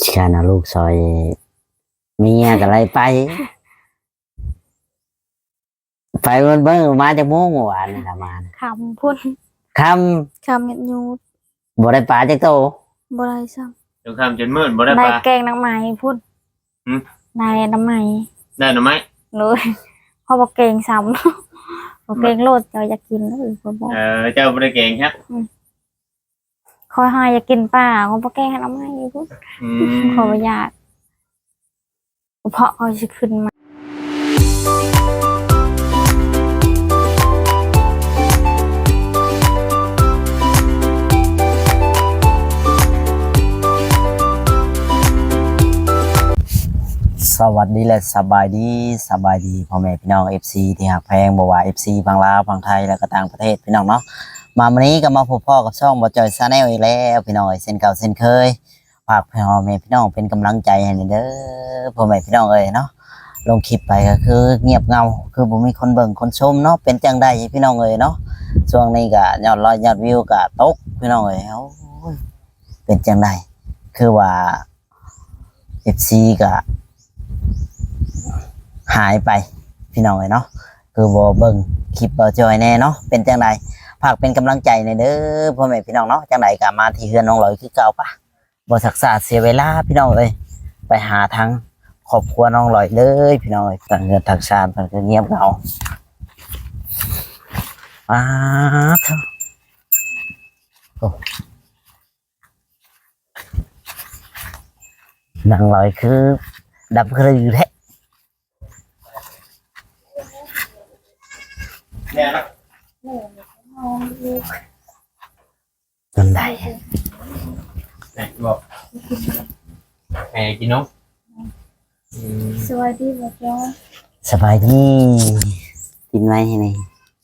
ฉันเอาลูกซอยเมียกับอะไรไปมันเบิ่งมาจากโมงเมื่อวานนี่ละมาคำพุ่นคคำยัดยูดบ่ได้ปลาจากโตบ่ได้ซ้เดี๋ยวคำจนมืดบ่ได้ำในปลาแกงน้ำไหม้พุ่นในน้ำไหม้ได้หรือไม่เลยพอบอกเกงซ้ำบอกเกงโลดเราอยากกินเลยพอบอกเจ้าบ่ได้เก่งครับคอยหายอยากกินป่าเขาบอกแกงน้ำไหม้พุ่นขออยากเพราะเขาจะขึ้นมาสวัสดีและสบายดีพ่อแม่พี่น้อง FC ที่หักแพงบ่ว่า FC ฝั่งลาวฝั่งไทยแล้วก็ต่างประเทศพี่น้องเนาะมาวันนี้ก็มาพบพ่อกับช่องบ่จอยชาแนลอีกแล้วพี่น้องเส้นเก่าเส้นเคยฝากพ่อแม่พี่น้องเป็นกำลังใจให้เด้อพ่อแม่พี่น้องเอ้ยเนาะลงคลิปไปก็คือเงียบเงาคือบ่มีคนเบิ่งคนชมเนาะเป็นจังได๋พี่น้องเอ้ยเนาะช่วงนี้ก็ยอดไลค์ยอดวิวก็ตกพี่น้องเอ้ยโอ้ยเป็นจังได๋คือว่า FC ก็หายไปพี่น้องเลยเนาะคือบ่เบิ่งคลิปบ่จอยแน่เนาะเป็นจังไดฝากเป็นกำลังใจในเด้อพ่อแม่พี่น้องเนาะจังไดก็มาที่เฮือนน้องลอยคือเก่าปะบ่ศักษาเสียเวลาพี่น้องเอ้ยไปหาทางครอบครัวน้องลอยเลยพี่น้องเอ้ยต่างเงินต่างชาติมันก็เงียบเหงาอ้าเถอะโอ้น้องลอยคือดับกระอยู่แท้เนี่ยนะจนได้เนี่ยบอกแหมกินนกสวัสดีบอกจ้าสบายดีกินไหมนี่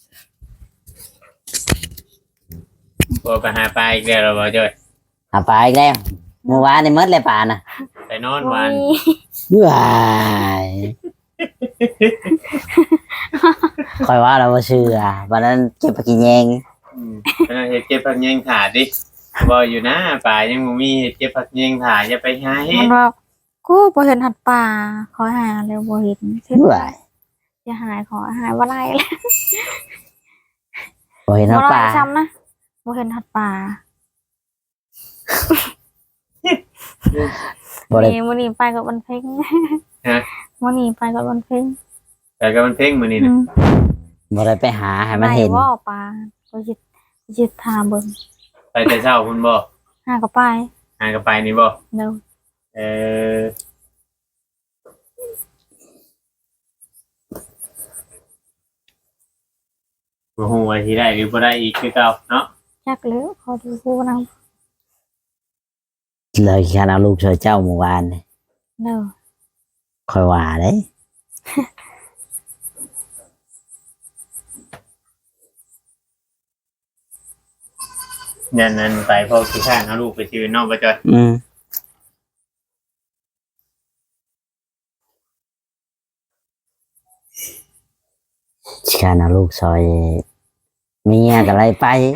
บ่ไปหาปลาอีกแล้วบ่จ้อยหาปลาอีกแล้วเมื่อวานในมดเลยปลาน่ะไปนอนวันว้ายคอยว่าเราบ่เชื่อวันนั้นเก็บไปกินแยงไปนั่งเฮ็ดเก็บผักแยงถาดดิบ่อยู่นะปลายังบ่มีเฮ็ดเก็บผักแยงถาดอย่าไปหาเฮ็มัดนบอกกูพอเห็นหัดป่าขอหาเร็วบ่เห็นเห็นว้ายจะหายขอหายว่าไรแล้วบ่เห็นบ่น้ำปไรลาซ้ำนะบ่เห็นหัดป่าบ่ได้นี่มื้อนี้ไปกับวันเพ็งฮะมื้อนี้ไปกับวันเพ็งแต่ก็มันเพ่งมื้อนี้นะบ่ได้ไปหาให้มันเห็นไหว่าปลาก็จิตทาเบิ่งไปแต่เช้าพุ่นบ่หาก็ไปหากระไปนี่บ่เร็วเออบ่ฮู้ว่าสิได้หรือบ่ได้อีกคือเก่าเนาะจักแล้วขอดูกูนำเลยฉันเอาลูกช่วยเจ้าเมื่อวานนี่เร็วคอยว่าเด้ยันนั้นไปพ่อขี้ข้างเอาลูกไปชื่อน้องบ่จ้อยฉันเอาลูกซอยเมียกับอะไร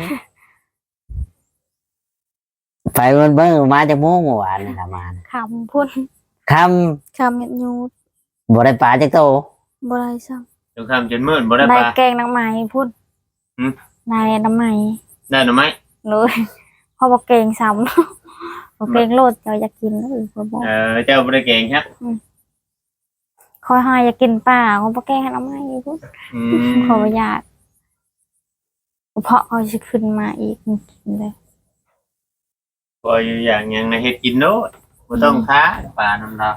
ไปมันเบิ่งมาจากโมงเมื่อวานนี่ละมาคำพุ่นคคำยัดยูดำบ่ได้ปลาจากโตบ่ได้ซ้เดี๋ยวคำจนมืดบ่ได้ำในปลาแกงน้ำไหม้พุ่นในน้ำไหม้ได้หรือไม่เลยพอบอกเกงซ้ำบอกเกงโลดเราอยากกินเลยพอบอกเจ้าบ่ได้เก่งครับคอยหายอยากกินป่าเขาบอกแกงน้ำไหม้พุ่นขออยากเพราะเขาจะขึ้นมาอีกกินเลยพออยู่อย่างยังในเฮ็ดกินโน้ตบ่ต้องค้าปลาน้ำดาว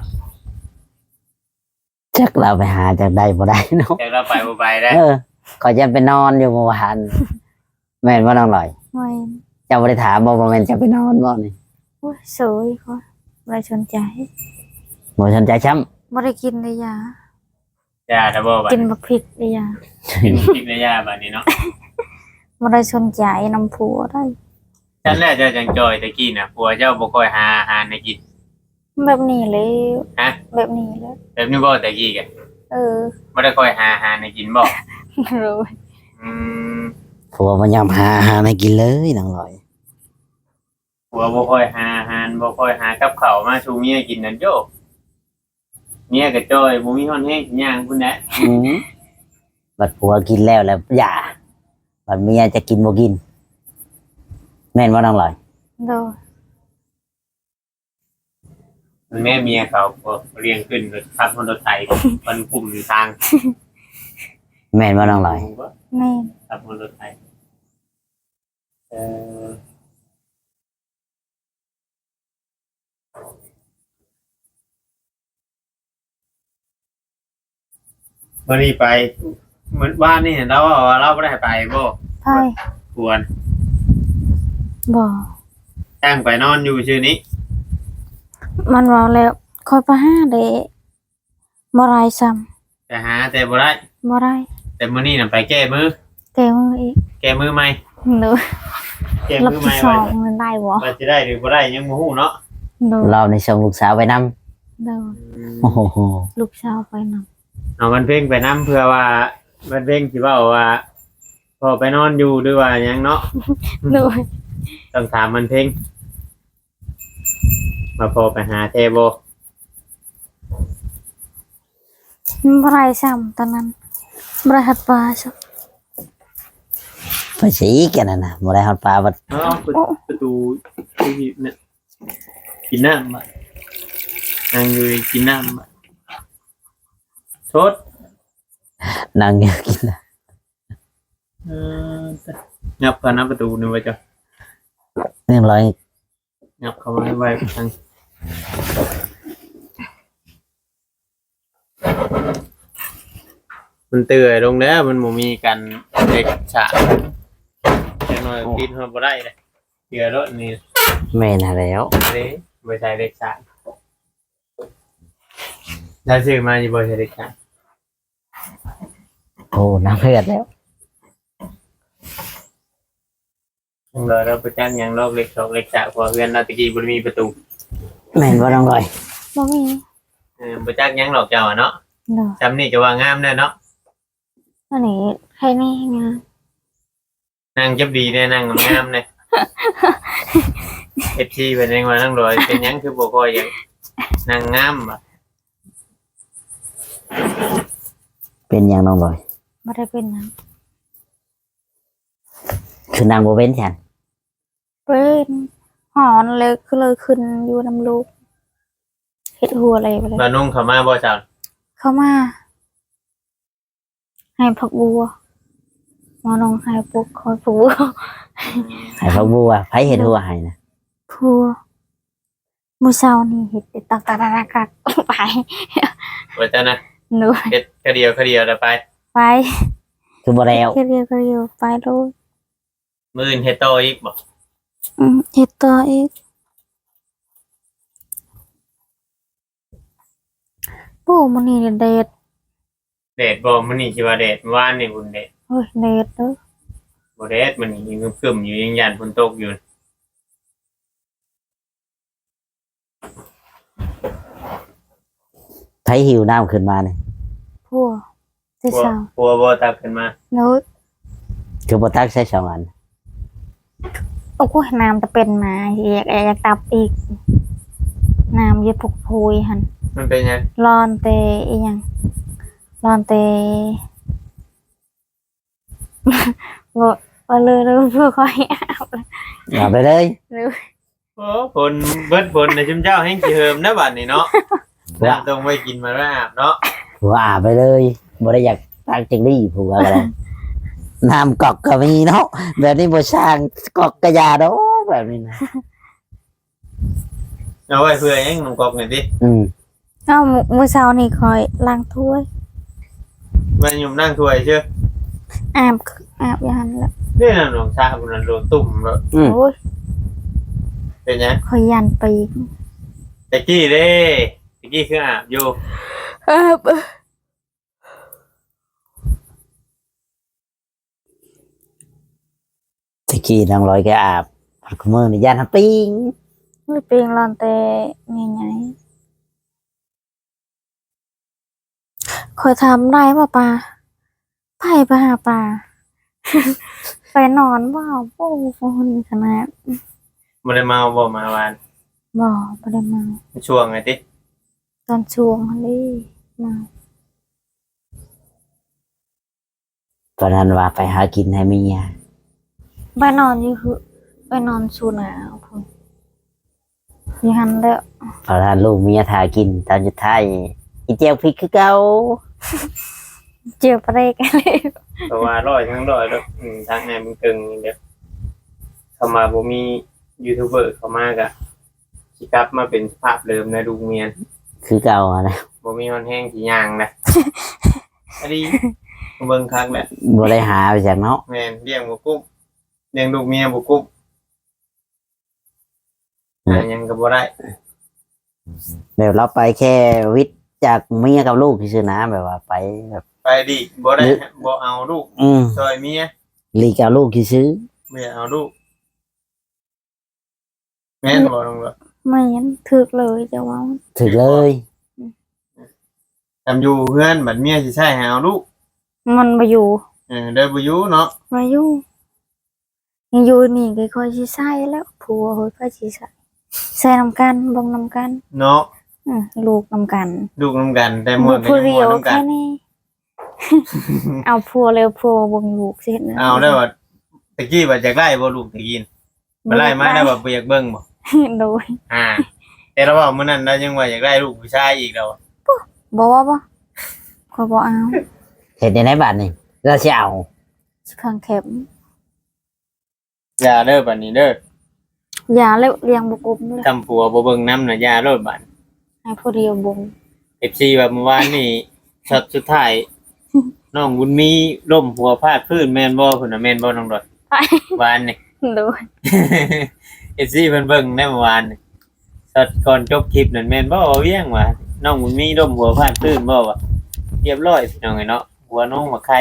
จักเราไปหาจากใดบ่ได้เนาะแต่เราไปบ่ไปได้ก็จะไปนอนอยู่เมื่อวานแม่นว่าน้องลอยไม่เจ้าบ่ได้ถามบ่ว่าแม่นจะไปนอนบ่นี่โอ้ยสวยเขาไม่สนใจบ่สนใจช้ำไม่ได้กินเลยยาย่าตะบ่บัดกินบักพริกเลยยากินพริกในย่าบัดนี้เนาะไม่ได้สนใจน้ำผัวได้ฉันแรกเจ้าจังจอยตะกี้น่ะผัวเจ้าบ่ค่อยหาอาหารให้กินแบบนี้เลยฮะแบบนี้เลยแบบนี้บ่ตะกี้กัน บ่ได้ค่อยหาอาหารให้กินบ่รู้อืมผัวบ่ยอมหาอาหารให้กินเลยน้องลอยผัวบ่ค่อยหาอาหารารบ่ค่อยหากับข้าวมาชูเมียกินนั่นโยเมียก็จ้อยบ่มีฮ้อนแห้งย่างพุ่นแหละอืมบัดผัวกินแล้วอย่าบัดเมียจะกินบ่กิน แม่นว่าน้องลอยโดยแม่เมียเขาก็เรียงขึ้นรถขับรถไถมันกลุ่มอยู่ทางแม่นว่าน้องลอยแม่นขับรถไถเออวันนี้ไปเหมือนบ้านนี่เห็นเราว่าเราไม่ได้ไปบ่ไพ่ควรบ่ตั้งไปนอนอยู่ชื่อนี้มันว่าแล้วคอยไปหาเด้บ่ไรซ้แต่หาแต่บ่ได้ำบ่ได้แต่มื้อนี้น่ะไปแก้มือแกมืออีกแก้มือใหม่โดยแก้รับมือใหที่ม่สอไว้งมันได้บ่ว่าจะได้หรือบ่ได้ยังบ่ฮู้เนาะโดยเราในส่งลูกสาวไปนำโดยโอ้โหลูกสาวไปนำเอามันเพ่งไปนํเพื่อว่ามันเพ่งสิเว้าว่าพอไปนอนอยู่หรือว่าหยังเนาะโดยต้องถามมันเพ่งมาพอไปหาเทโบบ่ไรซ้ำตอนนั้นบ่ได้หัดปลาซะไปสิกันน่ะบ่ได้ฮอดปลาบัดเอาประตูที่เนี่ยกินน้ำอ่ะนั่งอยู่กินน้ำอ่ะโทษนั่งอยู่กินน่ะเอองับกันนะประตูนี่ไว้จ้ะเรื่องร้อยงับเข้ามาให้ไว้ทางมันเตื่อยลงแล้วมันบ่มีกันเด็กฉะจังหน่อยปิดหัวบ่ได้เลยเตือรถนี่แม่น่ะแล้วเลยบ่ใช่เด็กฉะได้ซื้อมาอยู่บ่ใช่เด็กฉะโอ้น้ำเลือดแล้วยังเลยเราไปจ้างยังลอกเล็กสองเล็กฉะเพอเพื่อนเราตะกี้บ่ได้มีประตูแม่นว่าน้องลอยบ่มีบ่จักยังหรอกเจ้าอะเนาะโดยจำนี่ก็ว่างามแน่เนาะอันนี้ใครนี่ไงนั่งจับดีแน่นั่งงามแน่ FC เป็นยังว่านั่งรอยเป็นหยังคือบ่ค่อยหยังนั่งงามบ่เป็นหยังน้องลอยบ่ได้เป็นหยังคือนางบ่เป็นฉันเป็นหอนเลยคือเลยขึ้นอยู่นำลูกเฮ็ดหัวอะไรไปเลยบ่นุ่งเข้ามาบ่เจ้าเข้ามา ให้ผักบัวหมอน้องให้ปลูกคอยผักบัวให้พักบัวไผเฮ็ดหัวให้นะผัวมื้อเช้านี่เฮ็ดตักไปว่าจ้านะหนูเฮ็ดคเดียวแล้วไปไปคือบ่แล้วเรียกไปโลดมื้ออื่นเฮ็ดต่ออีกบ่เฮ็ดต่ออีกโอ้มื้อนี้เดทแดดบ่มื้อนี้สิว่าแดดเมื่อวานนี่บุญแดดเฮ้ยเดทเด้อบ่แดดมันยังครึมๆอยู่ยังยันฝนตกอยู่ไผหิวน้ำขึ้นมานี่ผัวที่สาวกลัวบ่ตักขึ้นมาหนูคือบ่ตักใส่สองอันโอ้ยน้ำจะเป็นมาอยากตับอีกน้ำเยอะพุกพุยหั่นมันเป็นหยังร้อนเตอีหยังร้อนเต บ่เลยเพื่อคอยอาบเอาไปเลยหรือโอ้ฝนเบิดฝนในะชุมเจ้าแห่งสิเฮิมนะบัดนี้เนาะน้ำต้องไว้กินมาแล้วอาบเนาะผัวอาบไปเลยบ่ได้อยากตักจังดีผัวก็ได้ น้ำกอกก็มีเนาะแบบนี้บ่สร้างกอกกระยาดอกแบบนี้นะเอาไว้เพื่อหยังน้องกอกนี่ติอืมเอ้ามื้อเช้านี่คอยล้างถ้วยไว้ยุ่มนั่งถ้วยเชื่ออาบอย่างนั้นแหละเด้นั่นน้องชาพุ่นน่ะโดนตุ่มแล้วโอ้ยเป็นหยังคอยยันปีกตะกี้เด้ตะกี้คืออาบอยู่อาบตะกี้น้องลอยแกอาบพักมือนี่ย่านหาปิ้งไม่เปลียงร้อนแต่ไงคอยทำได้ป่ะปลาไปหาปลา ไปนอนว่าโอ้โหขนาดบ่ได้เมาบ่มาวานบ่ได้มาช่วงไงติตอนช่วงนี้มาตอนนั้นว่าไปหากินให้เมียไปนอนอยู่คือไปนอนชูหนาวพุ่นอยู่หันแล้วตอนนั้นลูกเมียทากินตอนสุดท้ายอีเจียวพริกคือเก่าเจียวปลาเด็กอะไรเพราะว่าร้อยทั้งร้อยแล้วทางไหนมึงตึงเดี๋ยวเข้ามาบ่มียูทูบเบอร์เข้ามากะสิกลับมาเป็นสภาพเดิมในลูกเมียนคือเก่าอะนะบ่มีคนแห้งสิย่างนะ อันนี้เบิ่งคักแหละบ่ได้หาไปจากเนาะแม่นเลี้ยงบ่กุ้มเลี้ยงลูกเมียบ่กุ้มหาหยังก็บ่ได้แบบเราไปแค่วิทย์จากเมียกับลูกซื่อๆนะแบบว่าไปแบบไปดิบ่ได้บ่เอาลูกซอยเมียลีกับลูกซื่อไม่เอาลูกแม่นบ่น้องบ่ไม่ยันถึกเลยจะว่าๆถึกเลยทำอยู่เพื่อนบัดเมียสิใช้ให้เอาลูกมันมาอยู่เด้อบ่อยู่เนาะมาอยู่ยังอยู่นี่ก็ค่อยสิใส่แล้วผัวเฮ้ยค่อยสิใส่ใส่นำกันบ่งนำกันเนาะลูกนำกันลูกนํกันแต่หมลูดกก็ผู้ยังเดีหมยวดนํกัแค่นนี้ เอาผัวเร็วผัวบ่งลูกสินะเอาได้ว่าตะกี้ว่าอยากได้บ่ลูกตะกี้บ่ไล่มาได้ว่าบ่อยากเบิ่งบ่โดยแต่เราว่ามื้อนั้นเรายังว่าอยากได้ลูกผู้ชายอีกแล้วบ่ว่าบ่ขอยบ่เอาเห็นในบ้านนี่เราสิเอาสิข้างเข็มอย่าเด้อบัดนี้เด้ออย่าเลี้ยงบ่กบเลยทำผัวบ่เบิ่งนำน่ะอย่าโลดบัดให้ผู้เดียวบ่ง FC ว่าเมื่อวานนี่ช็อตสุดท้ายน้องบุญมีล้มหัวพาดพื้นแม่นบ่พุ่นน่ะแม่นบ่น้องดอดวานนี่โดยเอซี่เพิ่นเบิ่งได้เมื่อวานนี่ช็อตก่อนจบคลิปนั่นแม่นบ่เอาเวียงว่าน้องบุญมีล้มหัวพาดพื้นบ่วะเรียบร้อยพี่น้องไอ้เนาะหัวน้องมาไข่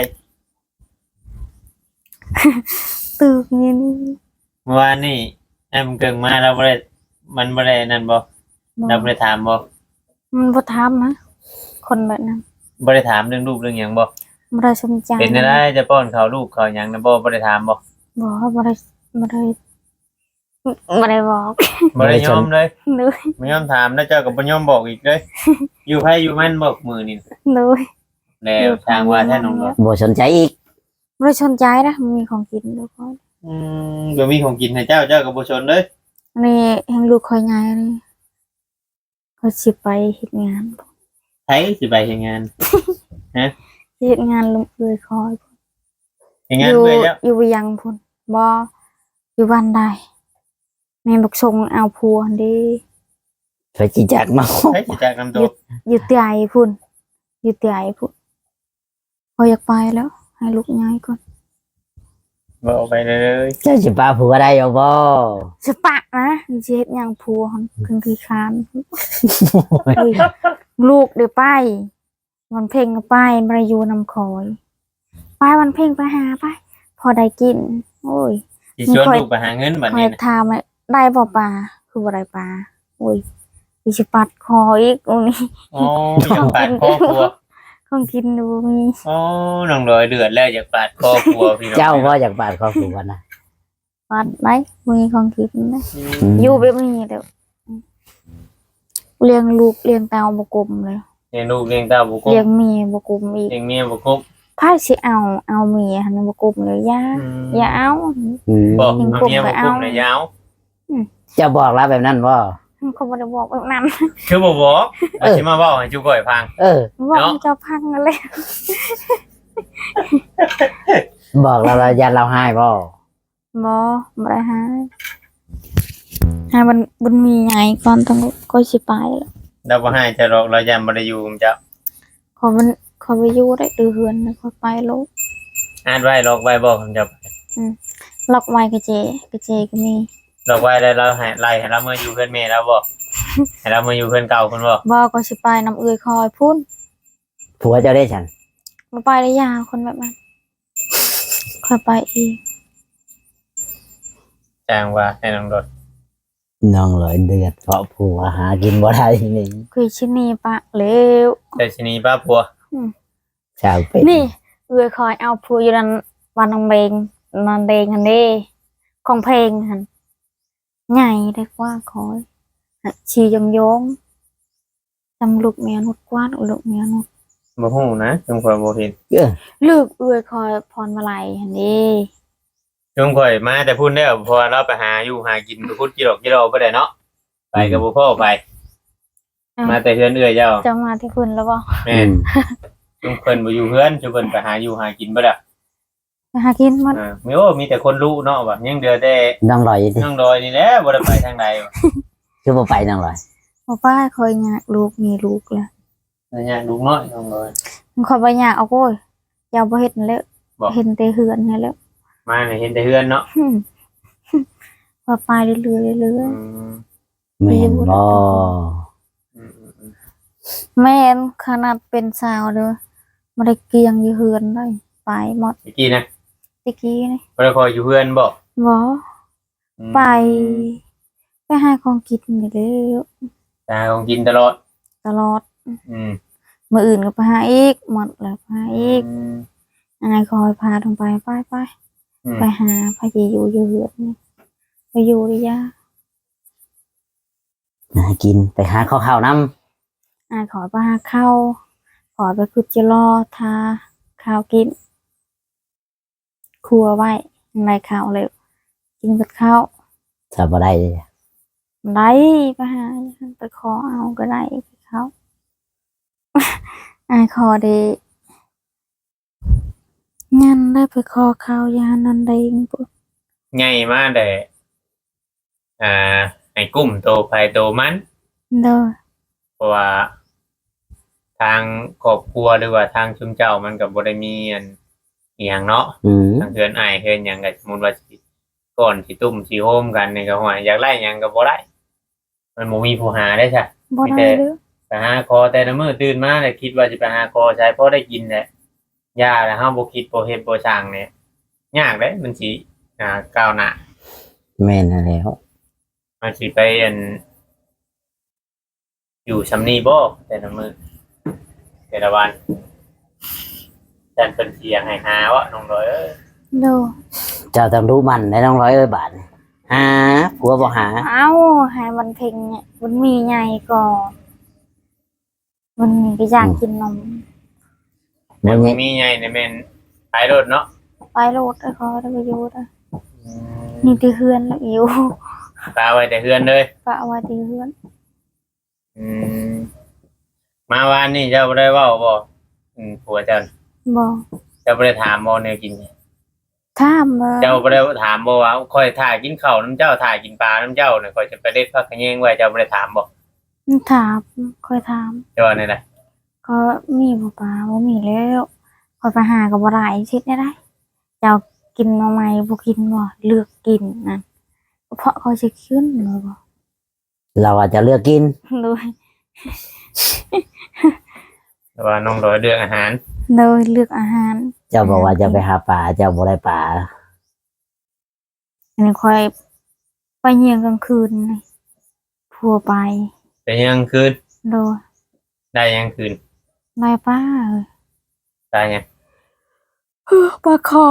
ตึกนี่เมื่อวานนี่แอมเกิงมาเราบ่ได้มันบ่ได้นั่นบ่เราบ่ได้ถามบ่มันบ่ถามนะคนแบบนั้นบ่ได้ถามเรื่องลูกเรื่องหยังบ่บ่ได้สนใจเป็นอะไรจะป้อนข้าวลูกข้าวหยังนะบ่ได้ถามบ่บ่ได้บ่ได้บอกบ่ได้ยอมเลยเลยบ่ยอมถามแล้วเจ้าก็บ่ยอมบอกอีกเลยอยู่ไผอยู่มันบอกมื้อนี่เลยแล้วทางว่าแท้น้องดอกบ่สนใจอีกบ่ได้สนใจนะมันมีของกินทุกคนบ่มีของกินให้เจ้าก็บ่สนเลยอันนี้แห่งลูกคอยใหญ่นี่เขาสิไปเฮ็ดงานไผสิไปเฮ็ดงานเฮ็ดงานเลยคอยเฮ็ดงานเมื่อยแล้วอยู่ยังพุ่นบ่อยู่บ้านใดแม่บักส่งเอาผัวเด้ไปจิจักเนาะไผสิจากนำตัวอยู่เตียพุ่นอยู่เตียพุ่นพอยอยากไปแล้ว ให้ลูกย้ายก่อนบ่เอาไปเลยเจ้าสิป้าผัวได้เอาบ่สปะนะสิเฮ็ดหยังผัวหั่นคึงขี้คร้านเฮ้ยลูกเดี๋ยวไปวันเพ่งก็ไปบ่ได้อยู่นำคอยไปวันเพ่งไปหาไป พอได้กิน โอ้ยสิชวนลูกไปหาเงินบัดคอนี้ยนะถามว่าได้บ่ปลาคือบ่ได้ปลาโอ้ยมีสิปัดคออีกตรงนี้อ๋ออยากปาดคอผัวของกินดูมีอ๋อน้องลอยเดือดแล้วอยากปาดคอผัวพี่น้องเจ้าบ่อยากบาดครอบครัวนะปัดไหมมีของกินนะอือืมมอยู่แบบนี้เด้อเลี้ยงลูกเลี้ยงเต้าบ่กลมเลยเลี้ยงลูกเลี้ยงเต้าบ่ครบเลี้ยงเมียบ่กลมอีกเลี้ยงเมียบ่ครบไผสิเอาเมียหั่นบ่กลมเลยอย่าเอาอืมบอกเอาเมียบ่ครบน่ะยาวเจ้าบอกแล้วแบบนั้นบ่เขาบ่ได้บอกแบบนั้นคือบ่บอกเอาสิมาเว้าให้จุก้อยฟังเออบอกเนาะให้เจ้าพังนั่นแหละบอกแล้วเรายันเราให้บ่บ่ได้หาให้มันมีใหญ่ก่อนต้องก็สิไปแล้วเราบ่ให้จะหรอกเรายันบ่ได้อยู่กับเจ้าขอไปอยู่ได้เดือนแล้วก็ไปลูกอ่านไว้หรอกไว้บอกกับเจ้าล็อกไว้กระเจก็มีหรอกไว้แล้วเราให้ไล่ให้เราเมื่ออยู่เพิ่นแม่เราบ่ให้เราเมื่ออยู่เพิ่นเก่าเพิ่นบ่บ่ก็สิไปนำเอื้อยคอยพุ่นผัวเจ้าได้ฉันบ่ไปได้ยาคนแบบนั้นค่อยไปอีกจ้างว่าให้น้องรถน้องเลยเดือดเพราะผัวหากินบ่ได้นี่คือชินีปะเร็วแต่ทีนี้ป้าผัวชาวเป็ดนี่เอื้อยคอยเอาผัวอยู่นั่นวันนางเบงนอนเดงหั่นเด้ของเพลงหั่นใหญ่ได้กว่าคอยชียงยงจำลูกเมียนุดกวาดลูกเมียนุดบ่ฮู้นะจงข่อยบ่เห็นลูกเอื้อยคอยพรมาลัยหันนี้จงข่อยมาแต่พูดได้อเพราะว่าเราไปหาอยู่หากินไปพุดกิโลบ่ได้เนาะไปกับบ่พ่อไป มาแต่เฮือนเอื้อยเจ้าจะมาที่คุณแล้วบ่แม่นจงเพิ่นบ่อยู่เฮือนจุเพิ่นไปหาอยู่หากินบ่ล่ะไปหากินมันมีแต่คนรู้เนาะว่ายังเดือแต่น้องลอยดิน้องดอยนี่แหละบ่ได้ไปทางใดว่ะคือบ่ไปน้องลอยบอกว่าคอยอยากลูกมีลูกแล้วเนี่ยลูกน้อยน้องดอยมันคอยบ่อยากเอาโว้ยอยากบ่เฮ็ดนั่นแหล้วบอกเห็นแต่เหือนนั่นแหล้วมาเนี่ยเห็นแต่เฮือนเนาะว่าไปเรื่อยๆเรื่อยอืมแม่นบ่อืมๆแม่นขนาดเป็นสาวเด้อบ่ได้เกียงอยู่เหือนเลยไปหมดเมื่อกี้นะตะกี้นี่บ่ได้คอยอยู่เฮือนบ่บ่อืมไปหาของกินนี่แหล้วตาของกินตลอดตลอดอืมมื้ออื่นก็ไปหาอีกหมดแล้วไปหาอีกมอายคอยพาลงไปไปอืมไปหาพาอยู่อยู่เหือนนี่ไปอยู่ดิยาหากินไปหาข้าวๆนำอายขอไปหาข้าวขอไปคุดจะรอทาข้าวกินครัวไว้ในข้าวเลยกินกับข้าวถ้าบ่ได้เลยไล่ไปหาไปขอเอาก็ได้ไปเขา อายขอเดงันได้ไปขอข้าวยานันเดงปุ๊บใหญ่มาแต่ให้กุ้มโตไผโตมันเด้อเพราะว่าทางครอบครัวหรือว่าทางชุมเจ้ามันก็บ่ได้มีอันอีหยังเนาะอืมทางเฮือนอ้ายเฮือนหยังก็สมมุติว่าสิก่อนสิตุ้มสิโฮมกันนี่ก็ว่าอยากไล่หยังก็บ่ได้มันบ่มีผู้หาได้ซะบ่ได้เด้อไปหาคอแต่ละมื้อตื่นมาแล้วคิดว่าสิไปหาคอใช้พอได้กินแหละยาแล้วเฮาบ่คิดบ่เฮ็ดบ่สร้างเนี่ยยากเด้มันสิก้าวหน้าแม่นนั่นแหล้วมันสิไปอันอยู่ซำนี้บ่แต่ละมื้อแต่ละวันแต่เพิ่นสิอยากให้หาวะน้องดอยเอ้ยเด้อเจ้าต้องรู้มันได้น้องร้อยบาทนี่หาผัวบ่หาเอ้าให้มันเพ่งเนี่ยมันมีใหญ่ก่อนมันมีก็อยากกินนมแต่บ่บ่มีมีใหญ่นี่แม่นขายรถเนาะไปโลดไอ้ขอได้ไปอยู่ได้นี่ที่เฮือนแล้วอยู่ตาไว้แต่เฮือนเลยปะว่าที่เฮือนอืมมาวานนี่เจ้าบ่ได้เว้าบ่ผัวเจ้าบอกเจ้าบ่ได้ถามบ่แนวกินถามว่าเจ้าบ่ได้ถามบ่ว่าค่อยถ่ายกินข้าวน้ำเจ้าถ่ายกินปลาน้ำเจ้าเนี่ยค่อยจะไปเด็ดผักขะแยงไว้เจ้าบ่ได้ถามบ่ถามคอยถามเจ้าว่านี่แหละก็มีบ่ปลาบ่มีแล้วคอยไปหากับบ่ได้ชิดได้เจ้ากินมาใหม่บ่กินบ่เลือกกินนั่นเพราะเขาสิขึ้นบ่บ่เราอาจจะเลือกกินเลยแต่ว่าน้องดอยเลือกอาหารเลยเลือกอาหารเจ้าบอกว่าจะไปหาปลาเจ้าบ่ได้ปลาอันนี้คอยไปเยี่ยงกลางคืนนี่พัวไปเป็นยังคืนโดยได้ยังคืนได้ป้าเอ้ยได้ยังปลาขอ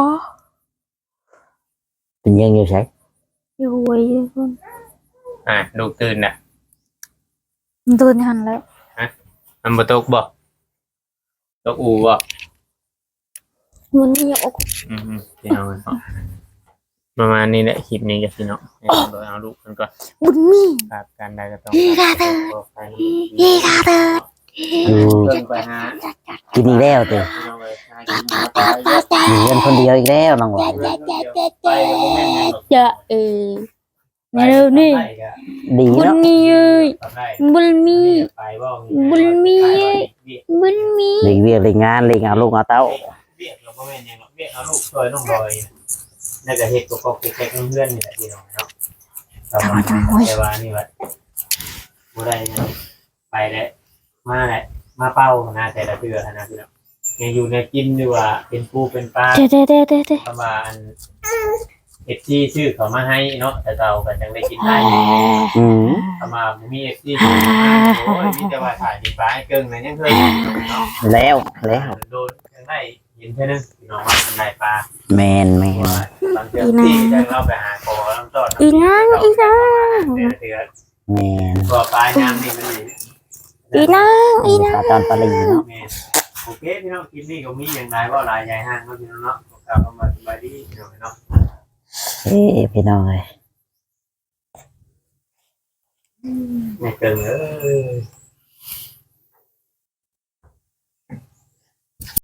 เป็นยังอยู่ใช่อยู่หวยอยู่พุ่นลูกตื่นน่ะมันตื่นหันแล้วมันบ่ตกบ่ตกอูบ่มันนี่อกพี่น้องเนาะประมาณนี้แหละคลิปนี้กับพี่น้องให้น้องดอยเอาลูกมันก่อนบุญมีครับการใดก็ต้องอีกาเถิดขอไปอีกาเถิดอืมเพิ่งไปหากินอีกแล้วติพี่น้องเลยหากินมาตายเยอะอยู่เงินคนเดียวอีกแล้วน้องร้อยไปกับบ่แม่นหยังหรอกจะเร็วนี่ดีบุญเนาะมีเอ้ยทำได้บุญมีไปบ่บุญมี บุญมีเลี้ยงเวียกเลี้ยงงานเลี้ยงเอาลูกเอาเต้าเบี้ยเราบ่แม่นหยังหรอกเบี้ยเอาลูกช่วยน้องดอยน่าจะเฮ็ดก็แค่เพื่อนนี่แหละพี่น้องเนาะแต่ว่านี่ว่าบ่ได้หยังไปแล้วมาแหละมาเป้านะแต่ละเทื่อนะพี่น้องยังอยู่ในกินดีว่าเป็นปูเป็นปลาเด้ประมาณเอฟซีชื่อเขามาให้เนาะแต่เราก็จังได้กินได้อืมประมาณมีเอฟซีชื่อมาโอ้ยมีแต่ว่าถ่ายกินปลาให้เกิงนะยังเคยเห็นเนาะแล้วแล้วโดนยังได้เห็นแค่นึงพี่น้องว่าเป็นได้ปลาแมนแมนบางเทื่อที่จะเราไปหาคอลำต้นอีนางเถื่ออืแม่นตัวปลายน้ำนี่มันนี่อีนางอีนางปลาตอนปลาลีเนาะแม่โอเคพี่น้องคลิปนี้ก็มีอย่างไรว่าลายใหญ่ห้างเนาะพี่น้องเนาะกลับมาสบายดีพี่น้องเนาะเอ้พี่น้องเลยไม่เกินเลย